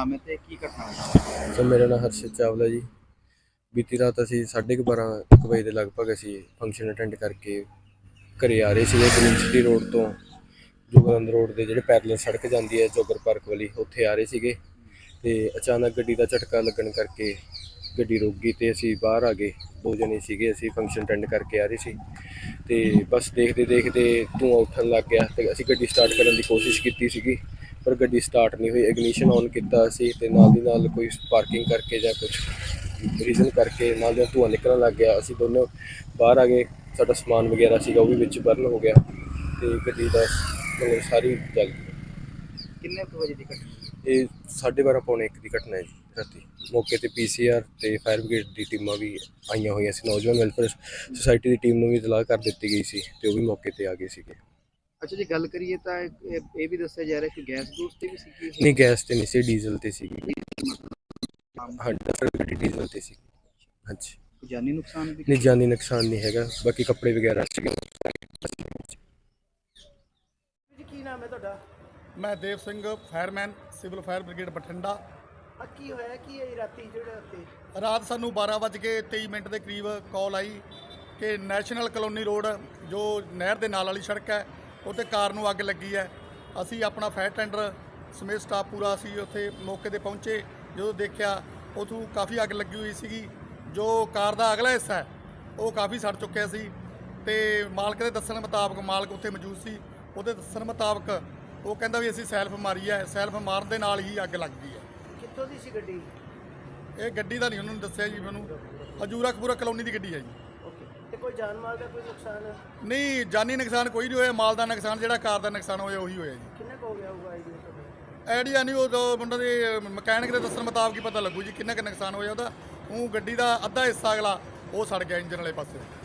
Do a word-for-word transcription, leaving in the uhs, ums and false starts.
नाम है तो की घटना हुई? सर मेरा नाम हर्षित चावला जी। बीती रात ਅਸੀਂ ਸਾਢੇ ਕੁ ਬਾਰਾਂ ਇੱਕ ਵਜੇ ਦੇ ਲਗਭਗ ਅਸੀਂ ਫੰਕਸ਼ਨ ਅਟੈਂਡ ਕਰਕੇ ਘਰੇ ਆ ਰਹੇ ਸੀਗੇ ਗ੍ਰੀਨ ਸਿਟੀ ਰੋਡ ਤੋਂ ਜੋਗਿੰਦਰ ਰੋਡ ਦੇ ਜਿਹੜੇ ਪੈਰਲਲ ਸੜਕ ਜਾਂਦੀ ਹੈ ਜੋਗਰ ਪਾਰਕ ਵਾਲੀ ਉੱਥੇ ਆ ਰਹੇ ਸੀਗੇ ਤੇ ਅਚਾਨਕ ਗੱਡੀ ਦਾ ਝਟਕਾ ਲੱਗਣ ਕਰਕੇ ਗੱਡੀ ਰੁਕ ਗਈ ਤੇ ਅਸੀਂ ਬਾਹਰ ਆ ਗਏ। ਦੋ ਜਣੇ ਸੀਗੇ ਅਸੀਂ ਫੰਕਸ਼ਨ ਅਟੈਂਡ ਕਰਕੇ ਆ ਰਹੇ ਸੀ ਤੇ ਬਸ ਦੇਖਦੇ ਦੇਖਦੇ ਧੂੰਆਂ ਉੱਠਣ ਲੱਗ ਗਿਆ ਤੇ ਅਸੀਂ ਗੱਡੀ ਸਟਾਰਟ ਕਰਨ ਦੀ ਕੋਸ਼ਿਸ਼ ਕੀਤੀ ਸੀਗੀ ਪਰ ਗੱਡੀ ਸਟਾਰਟ ਨਹੀਂ ਹੋਈ। ਇਗਨੀਸ਼ਨ ਔਨ ਕੀਤਾ ਸੀ ਤੇ ਨਾਲ ਦੀ ਨਾਲ ਕੋਈ ਪਾਰਕਿੰਗ ਕਰਕੇ ਜਾਂ ਕੁਝ ਰੀਜ਼ਨ ਕਰਕੇ ਨਾਲ ਦਾ ਧੂੰਆਂ ਨਿਕਲਣ ਲੱਗ ਗਿਆ। ਅਸੀਂ ਦੋਨੋਂ ਬਾਹਰ ਆ ਗਏ। ਸਾਡਾ ਸਮਾਨ ਵਗੈਰਾ ਸੀਗਾ ਉਹ ਵੀ ਵਿੱਚ ਬਰਨ ਹੋ ਗਿਆ ਤੇ ਗੱਡੀ ਦਾ ਮਤਲਬ ਸਾਰੀ ਜਲ ਗਈ। किन्ने कुछ बजे की घटना? ਇਹ ਸਾਢੇ ਬਾਰਾਂ ਪੌਣੇ ਇੱਕ ਦੀ ਘਟਨਾ ਹੈ ਜੀ ਰਾਤੀ। ਮੌਕੇ ਤੇ ਪੀ ਸੀ ਆਰ ਤੇ ਫਾਇਰ ਬ੍ਰਿਗੇਡ ਦੀ ਟੀਮਾਂ ਵੀ ਆਈਆਂ ਹੋਈਆਂ ਸੀ। ਨੌਜਵਾਨ ਵੈਲਫੇਅਰ ਸੁਸਾਇਟੀ ਦੀ ਟੀਮ ਨੂੰ ਵੀ ਇਤਲਾਹ ਕਰ ਦਿੱਤੀ ਗਈ ਸੀ ਤੇ ਉਹ ਵੀ ਮੌਕੇ ਤੇ ਆ ਗਏ ਸੀਗੇ। अच्छा जी, गल करिए तो ये भी दस्या जा रहा है कि गैस गूस ते भी सी? नहीं गैस ਤੇ ਨਹੀਂ ਸੀ, ਡੀਜ਼ਲ ਤੇ ਸੀਗੀ। ਹਾਂ ਗੱਡੀ ਡੀਜ਼ਲ ਤੇ ਸੀ। ਹਾਂਜੀ जानी नुकसान भी? नहीं जानी नुकसान नहीं हैगा, बाकी कपड़े वगैरह सीगे। जी की नाम है ਤੁਹਾਡਾ? मैं Dev Singh fireman civil fire brigade Bathinda. ਆ ਕੀ ਹੋਇਆ ਕੀ ਇਹ ਰਾਤੀ ਜਿਹੜਾ ਤੇ रात सानू बारह बज के तेई मिनट के करीब कॉल आई कि नैशनल कलोनी रोड जो नहर के नाल वाली सड़क है उत्ते कार नू अग लगी है। असी अपना फायर टेंडर समेत स्टाफ पूरा असी उत्थे मौके ते पहुँचे। जो देखा उतों काफ़ी अग लगी हुई सी। जो कार का अगला हिस्सा है वो काफ़ी सड़ चुकिया सी ते मालक के दस्सण मुताबक मालक उत्थे मौजूद सी। ਉਹਦੇ ਦੱਸਣ ਮੁਤਾਬਕ ਉਹ ਕਹਿੰਦਾ ਵੀ ਅਸੀਂ ਸੈਲਫ ਮਾਰੀ ਹੈ, ਸੈਲਫ ਮਾਰਨ ਦੇ ਨਾਲ ਹੀ ਅੱਗ ਲੱਗ ਗਈ ਹੈ। ਕਿੱਥੋਂ ਦੀ ਸੀ ਗੱਡੀ? ਇਹ ਗੱਡੀ ਦਾ ਨਹੀਂ ਉਹਨਾਂ ਨੂੰ ਦੱਸਿਆ ਜੀ, ਮੈਨੂੰ ਹਜੂਰਾ ਕਪੂਰਾ ਕਲੋਨੀ ਦੀ ਗੱਡੀ ਹੈ ਜੀ। ਓਕੇ, ਤੇ ਕੋਈ ਜਾਨ ਮਾਲ ਦਾ ਕੋਈ ਨੁਕਸਾਨ? ਨਹੀਂ ਜਾਨੀ ਨੁਕਸਾਨ ਕੋਈ ਨਹੀਂ ਹੋਇਆ। ਮਾਲ ਦਾ ਨੁਕਸਾਨ ਜਿਹੜਾ ਕਾਰ ਦਾ ਨੁਕਸਾਨ ਹੋਇਆ ਉਹੀ ਹੋਇਆ ਜੀ। ਕਿੰਨਾ ਕੁ ਹੋ ਗਿਆ ਹੋਊਗਾ ਆਈਡੀਆ ਤੁਹਾਡਾ? ਆਈਡੀਆ ਨਹੀਂ, ਉਹ ਮੁੰਡਾ ਦੇ ਮਕੈਨਿਕ ਦੇ ਦੱਸਣ ਮੁਤਾਬਕ ਹੀ ਪਤਾ ਲੱਗੂ ਜੀ ਕਿੰਨਾ ਕੁ ਨੁਕਸਾਨ ਹੋਇਆ ਉਹਦਾ। ਉਹ ਗੱਡੀ ਦਾ ਅੱਧਾ ਹਿੱਸਾ ਅਗਲਾ ਉਹ ਸੜ ਗਿਆ ਇੰਜਨ ਵਾਲੇ ਪਾਸੇ।